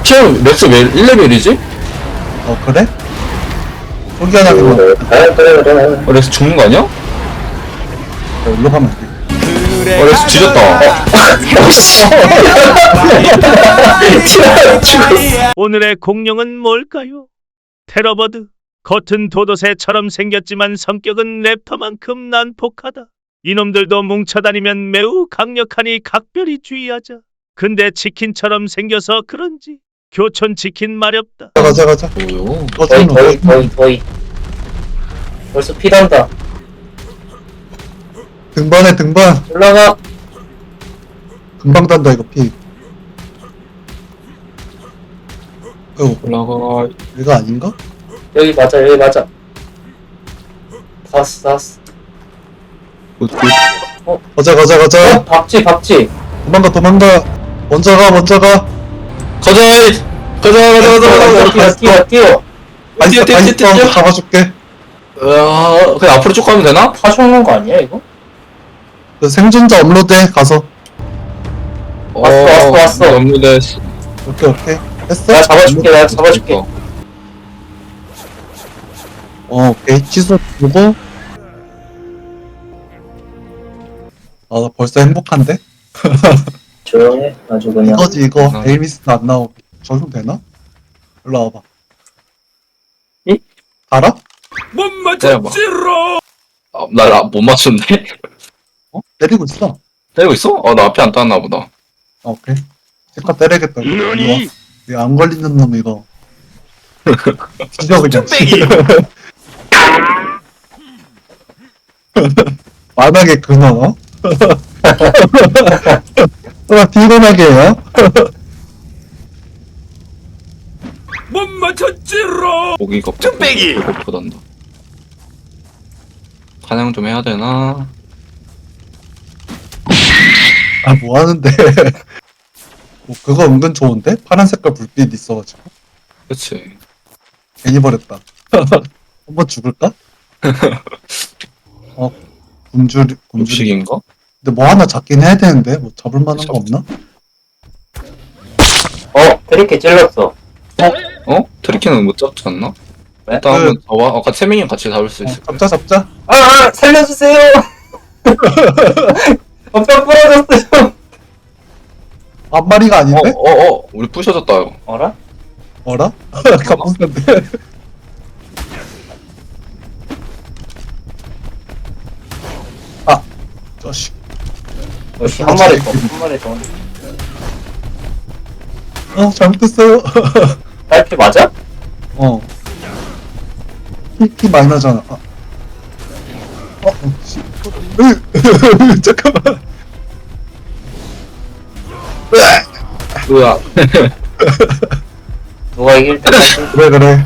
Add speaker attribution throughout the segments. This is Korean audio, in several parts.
Speaker 1: 체험 맥스 왜 1레벨이지?
Speaker 2: 어 그래? 포기하다가
Speaker 1: 렉스 죽는 거 아니야?
Speaker 2: 일로 가면 돼.
Speaker 1: 렉스 뒤졌다.
Speaker 3: 오늘의 공룡은 뭘까요? 테러버드. 겉은 도도새처럼 생겼지만 성격은 랩터만큼 난폭하다. 이놈들도 뭉쳐다니면 매우 강력하니 각별히 주의하자. 근데 치킨처럼 생겨서 그런지 교촌 치킨 마렵다.
Speaker 2: 가자.
Speaker 1: 뭐요?
Speaker 4: 더이 벌써 피난다.
Speaker 2: 등반해 등반.
Speaker 4: 올라가.
Speaker 2: 금방 단다 이거 피.
Speaker 1: 올라가.
Speaker 2: 이거 아닌가?
Speaker 4: 여기 맞아. 다 왔어.
Speaker 2: 가자.
Speaker 4: 박쥐.
Speaker 2: 도망가. 먼저 가.
Speaker 1: 가자.
Speaker 4: 뛰어.
Speaker 2: 다 있어. 잡아줄게.
Speaker 1: 그냥 앞으로 쭉 가면 되나?
Speaker 4: 다 죽는 거 아니야 이거?
Speaker 2: 그 생존자 업로드해 가서.
Speaker 4: 왔어.
Speaker 1: 업로드했어.
Speaker 2: 오케이. 했어?
Speaker 4: 내가 잡아줄게.
Speaker 2: 오케이. 취소 보고. 나 벌써 행복한데?
Speaker 4: 조용해. 아주 그냥.
Speaker 2: 이거지 이거. 에이미스도 안 나오고. 적용 되나? 일로 와봐.
Speaker 4: 이?
Speaker 2: 알아?
Speaker 1: 나 못 맞췄네.
Speaker 2: 때리고 있어.
Speaker 1: 때리고 있어? 나 앞에 안 땄나 보다.
Speaker 2: 오케이. 잠깐 때리겠다.
Speaker 3: 너니?
Speaker 2: 안 걸리는 놈 이거. 뒤져 그냥. 만하게 근원 어? 피곤하게 해요?
Speaker 1: 고기가 쭈빼기 배고프단다. 사냥 좀 해야 되나?
Speaker 2: 뭐 하는데? 그거 은근 좋은데? 파란 색깔 불빛 있어가지고
Speaker 1: 그치.
Speaker 2: 괜히 버렸다. 한번 죽을까? 굶주리.
Speaker 1: 음식인가?
Speaker 2: 근데 뭐 하나 잡긴 해야 되는데 뭐 잡을 만한 거 없나?
Speaker 4: 트리케 찔렀어.
Speaker 1: 트리키는 못 잡지 않나?
Speaker 4: 왜?
Speaker 1: 일단 한번 잡아. 아까 3명이 같이 잡을 수 있을 거야.
Speaker 2: 잡자.
Speaker 4: 살려주세요. 뼈 부러졌어요.
Speaker 2: 앞마리가 아닌데?
Speaker 1: 우리 부셔졌다.
Speaker 4: 어라?
Speaker 2: 어라? 갑분인데. 자식.
Speaker 4: 역시 한 마리 더.
Speaker 2: 잘못했어요.
Speaker 4: 딸피 맞아?
Speaker 2: 피 많이 나잖아. 씨. 잠깐만.
Speaker 1: 뭐야?
Speaker 4: 누가 이길 때
Speaker 2: 그래.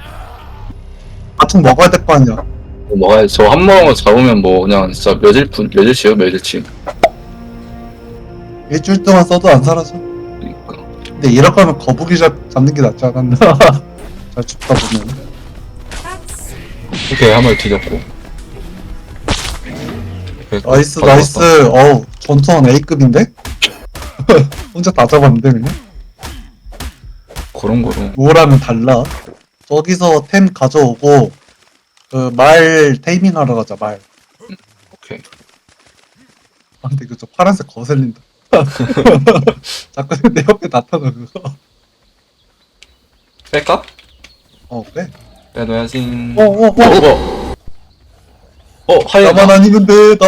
Speaker 2: 아통 먹어야 될 거 아니야.
Speaker 1: 먹어야지. 저 한 모금을 잡으면 뭐 그냥 진짜 며칠치요.
Speaker 2: 일주일 동안 써도 안 사라져.
Speaker 1: 그러니까.
Speaker 2: 근데 이럴 거면 거북이 잡는 게 낫지 않았나? 잘 죽다 보면.
Speaker 1: 오케이, 한 마리 뒤졌고.
Speaker 2: 나이스.
Speaker 1: 받았어.
Speaker 2: 전투원 A급인데? 혼자 다 잡았는데 그냥?
Speaker 1: 고롱고롱.
Speaker 2: 뭐라면 달라. 저기서 템 가져오고 그 말 테이밍 하러 가자. 말.
Speaker 1: 오케이.
Speaker 2: 근데 저 파란색 거슬린다. 자꾸 내 옆에 나타나 그거.
Speaker 1: 뺄까?
Speaker 2: 그래.
Speaker 1: 빼놔야지.
Speaker 2: 나만
Speaker 1: 하이에나.
Speaker 2: 아니면 돼.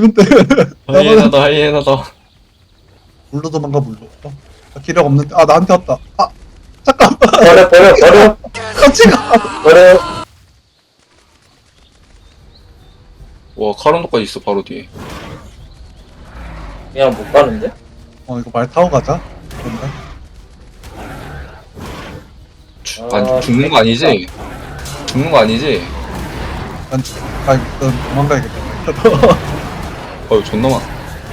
Speaker 1: 하이에나다.
Speaker 2: 물로 도망가 물로. 나 기력 없는데. 나한테 왔다. 잠깐만.
Speaker 4: 버려.
Speaker 2: 같이 가.
Speaker 4: 버려.
Speaker 1: 와, 카론도까지 있어, 바로 뒤에.
Speaker 4: 그냥 못 가는데?
Speaker 2: 이거 말 타고 가자. 뭔가?
Speaker 1: 죽는 거 아니지?
Speaker 2: 일단 도망가야겠다.
Speaker 1: 존나 많아.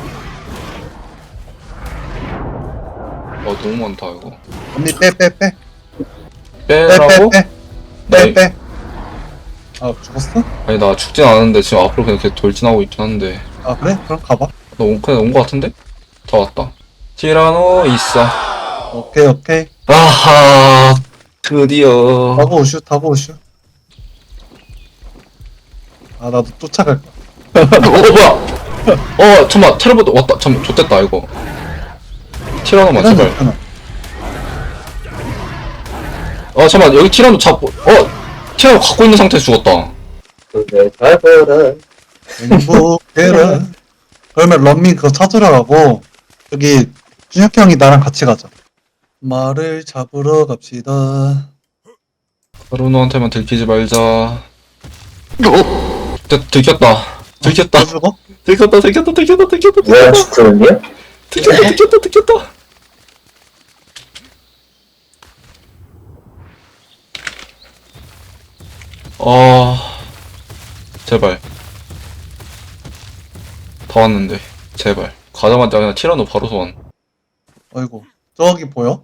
Speaker 1: 너무 많다, 이거.
Speaker 2: 언니 빼.
Speaker 1: 빼라고?
Speaker 2: 빼. 죽었어?
Speaker 1: 아니, 나 죽진 않았는데, 지금 앞으로 그냥 계속 돌진하고 있긴 한데.
Speaker 2: 그래? 그럼 가봐.
Speaker 1: 그냥 온 거 같은데? 다 왔다. 티라노, 이싸.
Speaker 2: 오케이, 오케이.
Speaker 1: 아하, 드디어.
Speaker 2: 타고 오슈. 아, 나도 쫓아갈 거야.
Speaker 1: 뭐야? 잠깐만, 테레보드 왔다. 잠깐만, 좋됐다, 이거. 티라노만, 제발.
Speaker 2: 하나.
Speaker 1: 잠깐만, 여기 티라노 티라노 갖고 있는 상태에서 죽었다.
Speaker 4: 그래, 잘 보라.
Speaker 2: 행복해라. 그러면 런민 그거 찾으러 가고, 여기, 준혁 형이 나랑 같이 가자. 말을 잡으러 갑시다.
Speaker 1: 카루노한테만 들키지 말자. 들켰다.
Speaker 2: 또 죽어?
Speaker 1: 들켰다.
Speaker 4: 뭐야, 죽었니?
Speaker 1: 들켰다. 제발. 다 왔는데, 제발. 가자마자 그냥 티라노 바로 소환.
Speaker 2: 어이구. 저기 보여?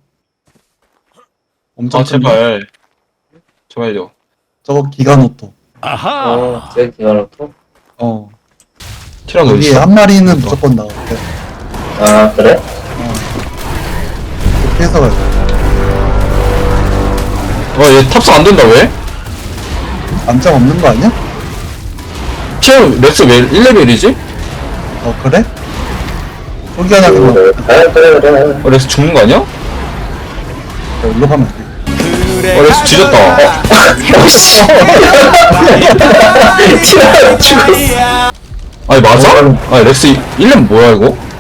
Speaker 2: 엄청 큰데?
Speaker 1: 제발. 제발요.
Speaker 2: 저거 기가노토.
Speaker 4: 제일 기다렸고.
Speaker 1: 티라노
Speaker 2: 여기
Speaker 1: 있어.
Speaker 2: 한 마리는 무조건 나올게.
Speaker 4: 아, 그래?
Speaker 2: 이렇게 해서 가자.
Speaker 1: 얘 탑승 안 된다, 왜?
Speaker 2: 안장 없는 거 아니야?
Speaker 1: 티라노 렉스 왜 1레벨이지?
Speaker 2: 그래? 포기하냐, 그러면.
Speaker 4: 그래.
Speaker 1: 렉스 죽는 거 아니야?
Speaker 2: 일로 가면 돼.
Speaker 1: 렉스 뒤졌다.
Speaker 4: 티라노 죽었어.
Speaker 1: 아니, 맞아? 아니, 렉스 1레벨 뭐야, 이거?